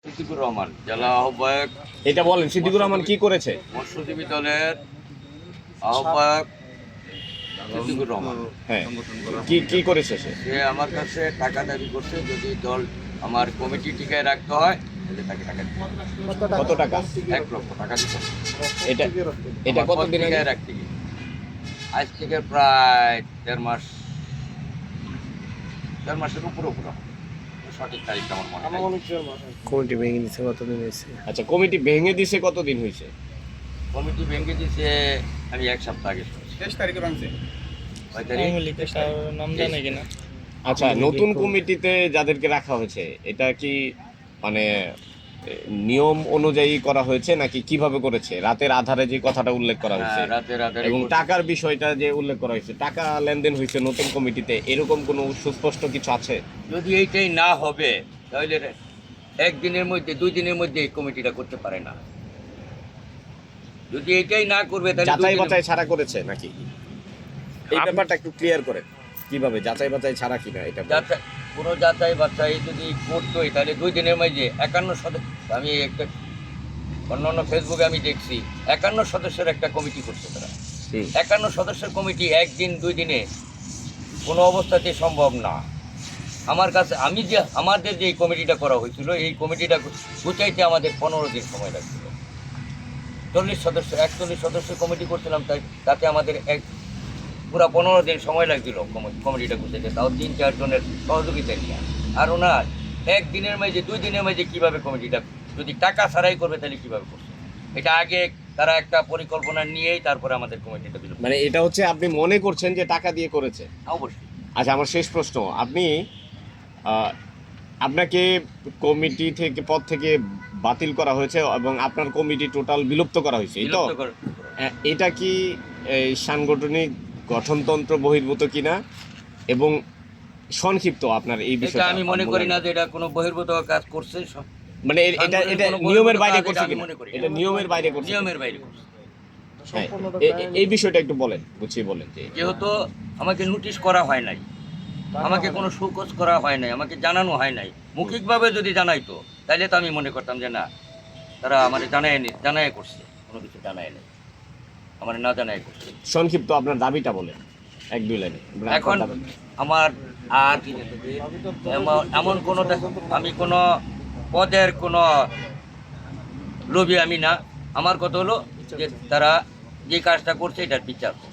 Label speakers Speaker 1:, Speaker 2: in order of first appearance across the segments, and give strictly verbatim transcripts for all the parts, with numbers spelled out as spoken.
Speaker 1: সিদ্দিকুর রহমান জেলা আহ্বায়ক।
Speaker 2: এটা বলেন, সিদ্দিকুর রহমান কি করেছে?
Speaker 1: মৎস্যজীবী দলের আহ্বায়ক সিদ্দিকুর রহমান।
Speaker 2: হ্যাঁ, কি কি করেছে সে?
Speaker 1: সে আমার কাছে টাকা দাবি করছে, যদি দল আমার কমিটি টিকায় রাখতে হয় তাহলে তাকে টাকা দিতে হবে।
Speaker 2: কত টাকা?
Speaker 1: এক লক্ষ টাকা দিতে হবে।
Speaker 2: এটা এটা
Speaker 1: আমার
Speaker 2: কতদিন আগে?
Speaker 1: পত্রিকায় রাখতে গিয়ে আজ থেকে প্রায় দেড় মাস দেড় মাসের উপরে উপরে হবে। সঠিক তারিখটা আমার মনে নেই।
Speaker 3: কমিটি ভেঙে নিচ্ছে কতদিন হয়েছে?
Speaker 2: আচ্ছা, কমিটি ভেঙে দিছে কতদিন হয়েছে?
Speaker 1: কমিটি ভেঙে দিয়েছে আমি এক সপ্তাহ আগে শুনছি।
Speaker 4: তেইশ তারিখে ভাঙছে।
Speaker 1: কয় তারিখ?
Speaker 3: নাম জানে কিনা?
Speaker 2: আচ্ছা, নতুন কমিটিতে যাদেরকে রাখা হয়েছে এটা কি মানে এ, নিয়ম অনুযায়ী করা হয়েছে নাকি কিভাবে করেছে? রাতের আধারে যে কথাটা উল্লেখ করা হয়েছে
Speaker 1: হ্যাঁ, রাতে রাতে
Speaker 2: এবং টাকার বিষয়টা যে উল্লেখ করা হয়েছে, টাকা লেনদেন হয়েছে নতুন কমিটিতে, এরকম কোনো সুস্পষ্ট কিছু আছে?
Speaker 1: যদি এইটাই না হবে তাহলে একদিনের মধ্যে দুই দিনের মধ্যে এই কমিটিটা করতে পারে না। যদি এইটাই না করবে তাহলে দুই
Speaker 2: যাচাই
Speaker 1: দিনের-
Speaker 2: বাছাই ছাড়া করেছে নাকি? এই ব্যাপারটা একটু ক্লিয়ার করেন, কিভাবে যাচাই বাছাই ছাড়া কিনা এটা বলেন।
Speaker 1: যাচাই কোনো যাচাই বাছাই যদি করতোই তাহলে দুই দিনের মধ্যে একান্ন সদস্য, আমি একটা অন্যান্য ফেসবুকে আমি দেখছি একান্ন সদস্যের একটা কমিটি করছে তারা।
Speaker 2: হুম।
Speaker 1: একান্ন সদস্যের কমিটি একদিন দুই দিনে কোনো অবস্থাতেই সম্ভব না। আমার কাছে আমি যে আমাদের যে কমিটিটা করা হয়েছিল এই কমিটিটা গুছাইতে আমাদের পনেরো দিন সময় লাগছিল। চল্লিশ সদস্য একচল্লিশ সদস্যের কমিটি করছিলাম, তাই তাতে আমাদের এক পুরা পনেরো দিন সময় লাগছিল কমিটিটা গুছাইতে, তাও তিন চারজনের সহযোগিতা নিয়ে। আর ওনার একদিনের মাঝে দুই দিনের মাঝে কীভাবে কমিটিটা যদি টাকা ছাড়াই করবে তাহলে কীভাবে করবে? এটা আগে তারা একটা পরিকল্পনা নিয়েই তারপরে আমাদের কমিটিটা দিল।
Speaker 2: মানে এটা হচ্ছে আপনি মনে করছেন যে টাকা দিয়ে করেছে?
Speaker 1: অবশ্যই।
Speaker 2: আচ্ছা, আমার শেষ প্রশ্ন, আপনি আহ, আপনাকে কমিটি থেকে পদ থেকে বাতিল করা হয়েছে এবং আপনার কমিটি টোটাল বিলুপ্ত করা হয়েছে, এই তো?
Speaker 1: বিলুপ্ত করে-
Speaker 2: আহ, এটা কি এই সাংগঠনিক গঠনতন্ত্র বহির্ভূত কিনা এবং সংক্ষিপ্ত আপনার এই
Speaker 1: এটা
Speaker 2: বিষয়টা?
Speaker 1: আমি মনে করি না যে এটা কোনো বহির্ভূত কাজ করছে। সব-
Speaker 2: মানে এ- এটা এটা
Speaker 1: কোনো বহির্ভূত
Speaker 2: নিয়মের বাইরে
Speaker 1: কাজ
Speaker 2: করছে
Speaker 1: এটা আমি
Speaker 2: কিনা?
Speaker 1: মনে করি না।
Speaker 2: এটা নিয়মের বাইরে করছে?
Speaker 1: নিয়মের বাইরে করছে।
Speaker 2: হ্যাঁ, এ- এ- এই বিষয়টা একটু বলেন, বুঝিয়ে বলেন যে
Speaker 1: যেহেতু আমাকে নোটিশ করা হয় নাই, আমাকে কোনো শোকজ করা হয় নাই, আমাকে জানানো হয় নাই, মৌখিকভাবে যদি জানাইতো তাহলে তো আমি মনে করতাম যে না, তারা আমার জানায় নি জানায় করছে, কোনো কিছু জানায় নেই, আমার না জানায় করছে।
Speaker 2: সংক্ষিপ্ত আপনার দাবিটা বলেন এক দুই লাইনে।
Speaker 1: এখন আমার আর এমন- এমন কোনো আমি কোনো পদের কোনো লোভী আমি না। আমার কথা হলো যে তারা যে কাজটা করছে এটার বিচার করছে।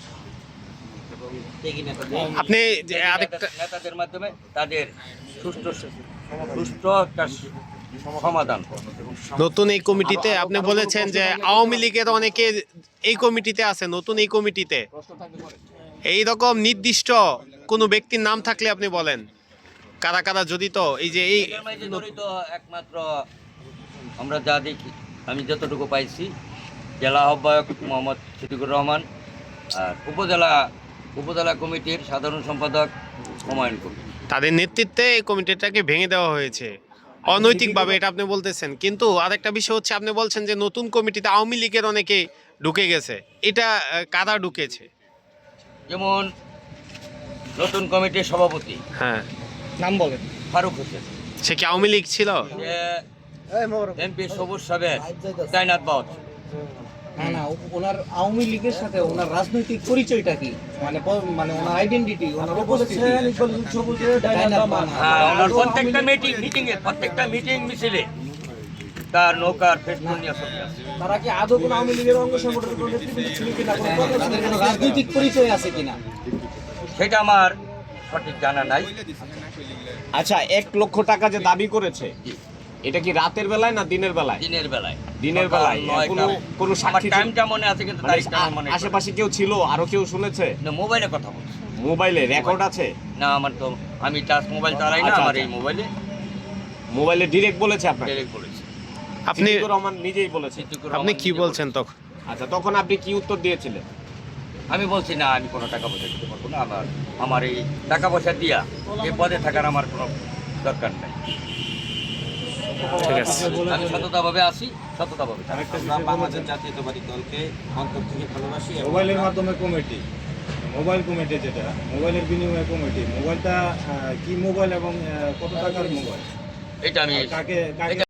Speaker 3: আপনি যে
Speaker 1: নেতা-
Speaker 3: আরেকটা
Speaker 1: নেতাদের মাধ্যমে তাদের সুষ্ঠু সুষ্ঠু একটা সমাধান করবে।
Speaker 3: নতুন এই কমিটিতে আপনি বলেছেন যে আওয়ামী লীগের অনেকে এই কমিটিতে আছে, নতুন এই কমিটিতে এই রকম নির্দিষ্ট কোনো ব্যক্তির নাম থাকলে আপনি বলেন কারা কারা জড়িত? এই যে এই
Speaker 1: এটার মাঝে জড়িত একমাত্র আমরা যা দেখি, আমি যতটুকু পাইছি, জেলা আহ্বায়ক মোহাম্মদ সিদ্দিকুর রহমান আর উপজেলা উপজেলা কমিটির সাধারণ সম্পাদক হুমায়ুন কবির।
Speaker 3: তাদের নেতৃত্বে এই কমিটিটাকে ভেঙে দেওয়া হয়েছে অনৈতিকভাবে, এটা আপনি বলতেছেন। কিন্তু আরেকটা বিষয় হচ্ছে, আপনি বলছেন যে নতুন কমিটিতে আওয়ামী লীগের অনেকে ঢুকে গেছে, এটা আহ, কারা ঢুকেছে?
Speaker 1: যেমন নতুন কমিটির সভাপতি
Speaker 3: হ্যাঁ,
Speaker 4: নাম বলেন।
Speaker 1: ফারুক হোসেন,
Speaker 3: সে কি আওয়ামী লীগ ছিল?
Speaker 1: সে এমপি সবুজ সাহেবের তাইনাত বাউত।
Speaker 5: না না ও- ওনার আওয়ামী লীগের সাথে ওনার রাজনৈতিক পরিচয়টা কি, মানে প- মানে ওনার আইডেন্টিটি, ওনার উপস্থিতি। ডাইনাত বানা।
Speaker 1: হ্যাঁ, ওনার প্রত্যেকটা মিটিং মিটিং এ প্রত্যেকটা মিটিং মিছিলে তার নৌকার ফেসবুক নিয়ে ছবি আছে।
Speaker 5: তারা কি আদৌ কোনো আওয়ামী লীগের অঙ্গ সংগঠনের কোনো নেতৃবৃন্দ ছিল কিনা, কোনো পদ ছিল কিনা, কোনো রাজনৈতিক পরিচয় আছে কিনা?
Speaker 1: সেটা আমার সঠিক জানা নাই।
Speaker 2: আচ্ছা, এক লক্ষ টাকা যে দাবি করেছে, এটা কি রাতের বেলায় না দিনের বেলায়?
Speaker 1: দিনের বেলায়
Speaker 2: দিনের
Speaker 1: সকাল
Speaker 2: বেলায়
Speaker 1: নয়টা।
Speaker 2: কোনো কোনো
Speaker 1: আমার
Speaker 2: সাক্ষী ছিল?
Speaker 1: টাইমটা মনে আছে কিন্তু
Speaker 2: মানে
Speaker 1: তারিখটা আমার মনে
Speaker 2: আ- আশেপাশে কেউ ছিল, আরো কেউ শুনেছে?
Speaker 1: না, মোবাইলে কথা বলছি।
Speaker 2: মোবাইলে রেকর্ড আছে?
Speaker 1: না, আমার তো আমি টাচ মোবাইল চালাই না,
Speaker 2: আচ্ছা,
Speaker 1: আমার
Speaker 2: আচ্ছা।
Speaker 1: এই মোবাইলে
Speaker 2: মোবাইলে ডিরেক্ট বলেছে আপনাকে?
Speaker 1: ডিরেক্ট বলেছি।
Speaker 3: আপনি
Speaker 2: সিদ্দিকুর রহমান নিজেই বলেছে?
Speaker 1: সিদ্দিকুর
Speaker 3: আপনি
Speaker 1: রহমান
Speaker 3: কি
Speaker 1: নিজে
Speaker 3: বলছেন
Speaker 1: বলেছে।
Speaker 3: তখন?
Speaker 2: আচ্ছা, তখন আপনি কি উত্তর দিয়েছিলেন?
Speaker 1: আমি বলছি না, আমি কোনো টাকা পয়সা দিতে পারবো না, আমার আমার এই টাকা পয়সা দিয়া এই পদে থাকার আমার কোনো দরকার নেই।
Speaker 3: ঠিক আছে।
Speaker 1: আমি সততাভাবে আসি, সততাভাবে থাকি।
Speaker 6: আমরা বাংলাদেশ জাতীয়তাবাদী দলকে অন্তর থেকে ভালোবাসি এবং
Speaker 4: মোবাইলের মাধ্যমে কমিটি, মোবাইল কমিটি যেটা মোবাইলের বিনিময়ে কমিটি, মোবাইলটা আহ, কি মোবাইল এবং আহ, কত টাকার মোবাইল,
Speaker 1: এটা আমি
Speaker 4: কাকে কাকে